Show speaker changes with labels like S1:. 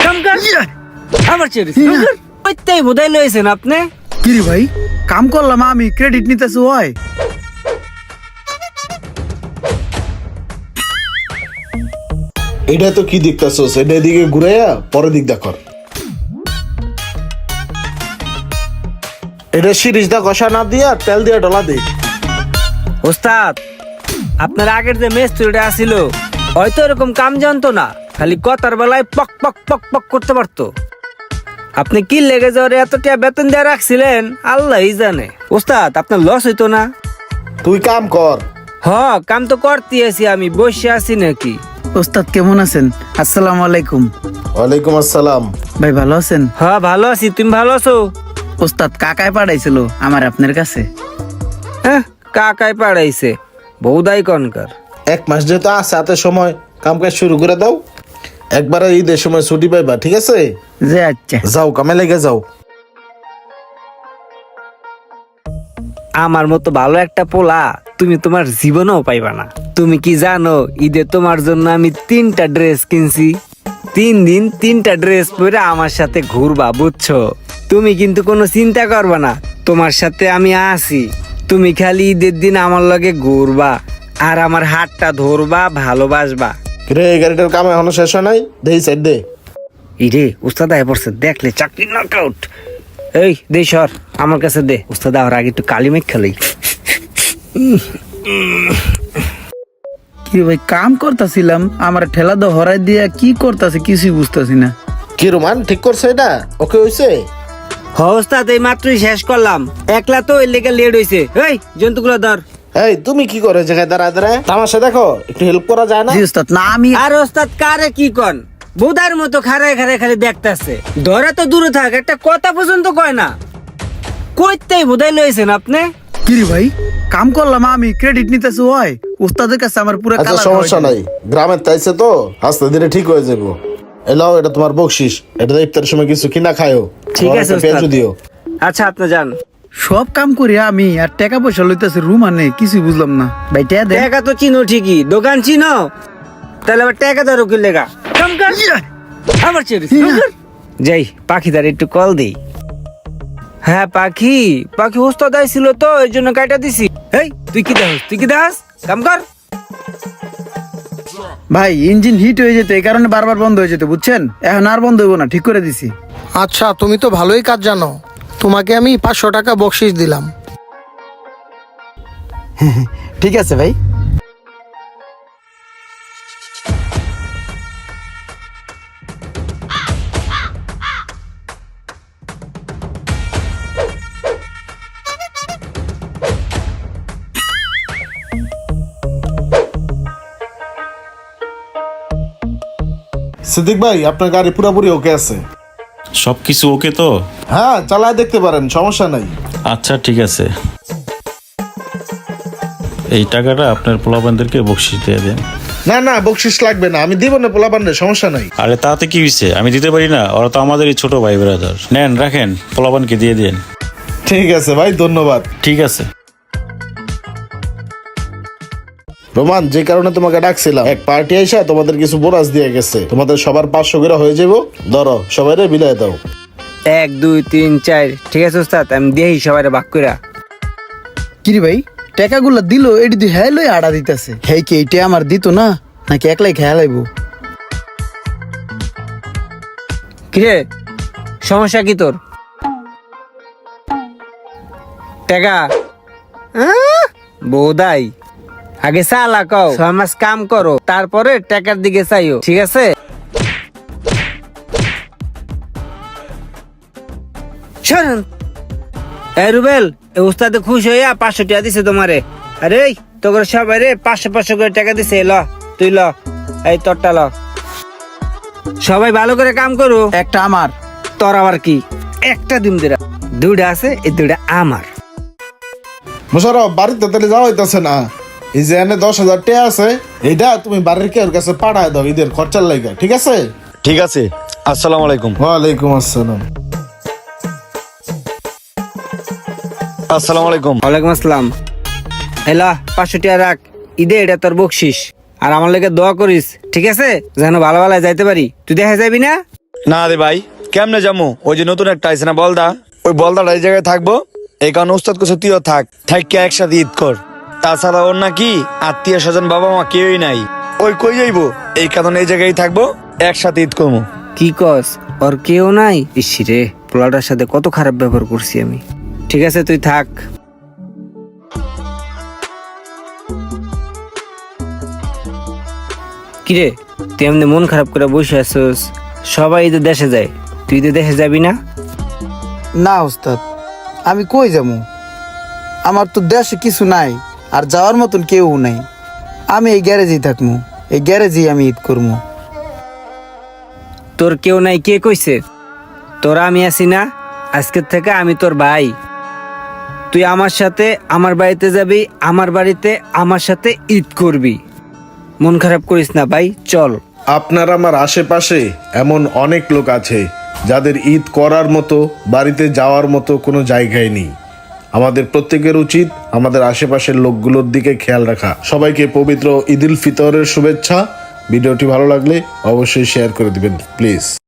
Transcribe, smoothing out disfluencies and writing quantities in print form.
S1: কাম কর আমার চেয়ে ওইটাই বোধাই লইছেন আপনি।
S2: কি রে ভাই, কাম করলাম আমি, ক্রেডিট নিতেছি হয়?
S3: এটা তো কি দেখতেছস? এটা এদিকে ঘুরাইয়া পরে দিক দেখর। এটা সিরিজ দা কষা না দিয়া তেল দিয়া ডলা দে।
S1: ওস্তাদ, আপনার আগের যে মেস্তুরিটা আসিল হয়তো এরকম কাম জানতো না, খালি কথার বেলায় পক পক পক পক করতে পারতো। আপনি কি লেগে যাওয়ার এতটা বেতন দিয়ে রাখছিলেন আল্লাহই জানে। ওস্তাদ, আপনার লস হইতো না?
S3: তুই কাম কর।
S1: হ, কাম তো করতে আছি, আমি বসে আছি নাকি?
S2: ওস্তাদ কেমন আছেন? আসসালামু আলাইকুম।
S3: ওয়ালাইকুম আসসালাম।
S2: ভাই ভালো আছেন?
S1: হ্যাঁ ভালো আছি, তুমি ভালো আছো?
S2: ওস্তাদ কাকায় পাঠাইছিল আমার আপনার কাছে।
S1: হ্যাঁ, কাকাই পাড়াইছে, বৌদাই কনকার।
S3: 1 মাস যেহেতু আছে হাতে সময়, কাম কাজ শুরু করে দাও। একবারে ঈদের সময় ছুটি পাইবা, ঠিক আছে?
S2: যে আচ্ছা।
S3: যাও কামে লেগে যাও।
S1: আমার মতো ভালো একটা পোলা তুমি তোমার জীবনেও পাইবা না। তুমি কি জানো, ঈদে তোমার জন্য আমি 3টা ড্রেস কিনছি। 3 দিন 3টা ড্রেস পরে আমার সাথে ঘুরবা, বুঝছো? তুমি কিন্তু কোনো চিন্তা করবা না, তোমার সাথে আমি আছি। তুমি খালি ঈদের দিন আমার লগে ঘুরবা আর আমার হাতটা ধরবা, ভালোবাসবা।
S3: রে, গাড়িটার কাম এখনো শেষ হয় নাই, দেই সাইড দে।
S1: ইরে উস্তাদ আয় পড়ছে, দেখলে চাকরি নকআউট। এই দে সর, আমার কাছে দে। উস্তাদ আর আগে একটু কালি মেঘ খেলেই।
S2: কি ভাই, কাম করতেছিলাম, আমার ঠেলা দো হরাই দিয়া কি করতেছে কিছুই বুঝতেছি না।
S3: কি রোমান ঠিক করছে এটা? ওকে হইছে?
S1: হ উস্তাদ, এই মাত্রই শেষ করলাম। একলা তো এর লেগে লেট হইছে। এই জন্তুগুলো ধর।
S3: এই তুমি কি করে জায়গায় দাঁড়ায় দাঁড়ায় তামাশা দেখো? একটু হেল্প করা যায় না?
S2: জি ওস্তাদ, না আমি
S1: আর ওস্তাদ কারে কি কন, বুদার মতো খাড়ায় খাড়ায় খালি দেখতাছে। ধরা তো দূরে থাক, একটা কথা পর্যন্ত কয় না। কইতেই বোধাই লইছেন আপনি।
S2: কি রে ভাই, কাম করলাম আমি, ক্রেডিট নিতেছি হয়? ওস্তাদের কাছে আমার পুরো
S3: আচ্ছা
S2: কালার
S3: সমস্যা নাই, গ্রামের তাইছে তো আস্তে ধীরে ঠিক হয়ে যাবো। এলাও, এটা তোমার বকশিস, এটা ইফতারের সময় কিছু কিনা খায়ও।
S1: ঠিক
S3: আমার
S1: আছে
S3: একটা পেঁয়াজু
S1: ওস্তাদ।
S3: দিও।
S1: আচ্ছা আপনি যান।
S2: সব কাম করি আমি, আর টাকা পয়সা লইতেছে রুম আনে, কিছুই বুঝলাম না। ভাই টাকা দেন।
S1: টাকা তো চিনো ঠিকই, দোকান চিনো, তাহলে আবার টাকা ধরো কি লেগা? কাম কর আমার চেয়ে যাই, পাখিদার একটু কল দেই। হ্যাঁ পাখি, পাখি ওস্তাদ আইছিল তো এই জন্য কাটা দিছি। এই তুই কি দেখ, তুই কি দেখাস? কাম কর।
S2: ভাই ইঞ্জিন হিট হয়ে যেত, এই কারণে বারবার বন্ধ হয়ে যেত, বুঝছেন? এখন আর বন্ধ হইব না, ঠিক করে দিছি।
S4: আচ্ছা, তুমি তো ভালোই কাজ জানো, তোমাকে আমি 500 টাকা বকশিস দিলাম।
S2: ঠিক আছে ভাই।
S3: সিদ্দিক ভাই, আপনার গাড়ি পুরোপুরি ওকে আছে?
S5: সবকিছু ওকে তো?
S3: হ্যাঁ, চালায় দেখতে পারেন, সমস্যা নাই।
S5: আচ্ছা ঠিক আছে, এই টাকাটা আপনার পোলাপানদেরকে বকশিস দিয়ে দেন।
S3: না না, বকশিস লাগবে না, আমি দিব না পোলাপানের, সমস্যা নাই।
S5: আরে তাতে কি হয়েছে, আমি দিতে পারি না? ওরা তো আমাদেরই ছোট ভাই ব্রাদার। নেন রাখেন, পোলাপানকে দিয়ে দেন।
S3: ঠিক আছে ভাই, ধন্যবাদ।
S5: ঠিক আছে।
S3: রোমান, যে কারণে তোমাকে ডাকছিলাম, এক পার্টি আইসা তোমাদের কিছু বোনাস দিয়ে গেছে, তোমাদের সবার 500 করে হয়ে যাবো। ধরো, সবাই বিলাই দাও।
S1: 1 2 3 4, ঠিক আছে ওস্তাদ, আমি দিই সবাই ভাগ কইরা।
S2: কি রে ভাই, টাকাগুলো দিল, এটি তুই হ্যাঁ লই আড়া দিতেছে। হ্যাঁ কি এইটা আমার দিত না, নাকি একলাই খেয়াল আইব?
S1: কিরে সমস্যা কি তোর? টাকা বৌদাই, আগে সালা কও 6 মাস কাম করো, তারপরে টাকার দিকে চাইও, ঠিক আছে? শোনেন এই রুবেল, এই উস্তাদে খুশি হইয়া 500 টাকা দিছে তোমারে। আরে তোর সবাই রে 500 করে টাকা দিছে। ল তুই ল, এই তোরটা ল। সবাই ভালো করে কাম করো।
S2: একটা আমার।
S1: তোর আবার কি? একটা ডিম দিরা, 2টা আছে, এই 2টা আমার।
S3: মোশারফ, বাড়িতে তাহলে যাওয়া হইতেছে না? এই যে এনে 10,000 টাকা আছে, এইটা তুমি বাড়ির কেউ কাছে পাঠায় দাও ঈদের খরচার লাইগা, ঠিক আছে?
S6: ঠিক আছে, আসসালামু আলাইকুম।
S3: ওয়ালাইকুম আসসালাম।
S6: আসসালামু আলাইকুম।
S1: ওয়ালাইকুম আসসালাম। এলা 500 টাকা রাখ, ঈদে এটা তোর বকশিস। আর আমার লেগে দোয়া করিস, ঠিক আছে? যেন ভালো ভালো যাইতে পারি। তুই দেখা যাবি না?
S6: না রে ভাই, কেমনে যাবো? ওই যে নতুন একটা আইছে না বলদা, ওই বলদাটা এই জায়গায় থাকবো। এই কারণে উস্তাদ কিছু তুইও থাক একসাথে ঈদ কর। তাছাড়া ওর নাকি আত্মীয় স্বজন বাবা মা কেউই নাই, ওই কই যাইবো, এই কারণে এই জায়গায় থাকবো, একসাথে ঈদ করবো।
S1: কি কস? ওর কেউ নাই? ইসি রে, পোলাটার সাথে কত খারাপ ব্যবহার করছি আমি। ঠিক আছে, তুই থাক। কিরে, তুই এমনি মন খারাপ করে বসে আছিস? সবাই ঈদে দেশে যায়, তুই ঈদে দেশে যাবি না?
S2: না ওস্তাদ, আমি কই যাবো? আমার তো দেশে কিছু নাই, আর যাওয়ার মতন কেউ নাই। আমি এই গ্যারেজেই থাকবো, এই গ্যারেজেই আমি ঈদ করবো।
S1: তোর কেউ নাই কে কইছে? তোরা আমি আছি না, আজকের থেকে আমি তোর ভাই। তুই আমার সাথে আমার বাড়িতে যাবি, আমার বাড়িতে আমার সাথে ঈদ করবি। মন খারাপ করিস না ভাই, চল।
S3: আপনার আমার আশেপাশে এমন অনেক লোক আছে যাদের ঈদ করার মতো, বাড়িতে যাওয়ার মতো কোনো জায়গায় নেই। আমাদের প্রত্যেকের উচিত আমাদের আশেপাশের লোকগুলোর দিকে খেয়াল রাখা। সবাইকে পবিত্র ঈদ উল ফিতরের শুভেচ্ছা। ভিডিওটি ভালো লাগলে অবশ্যই শেয়ার করে দিবেন প্লিজ।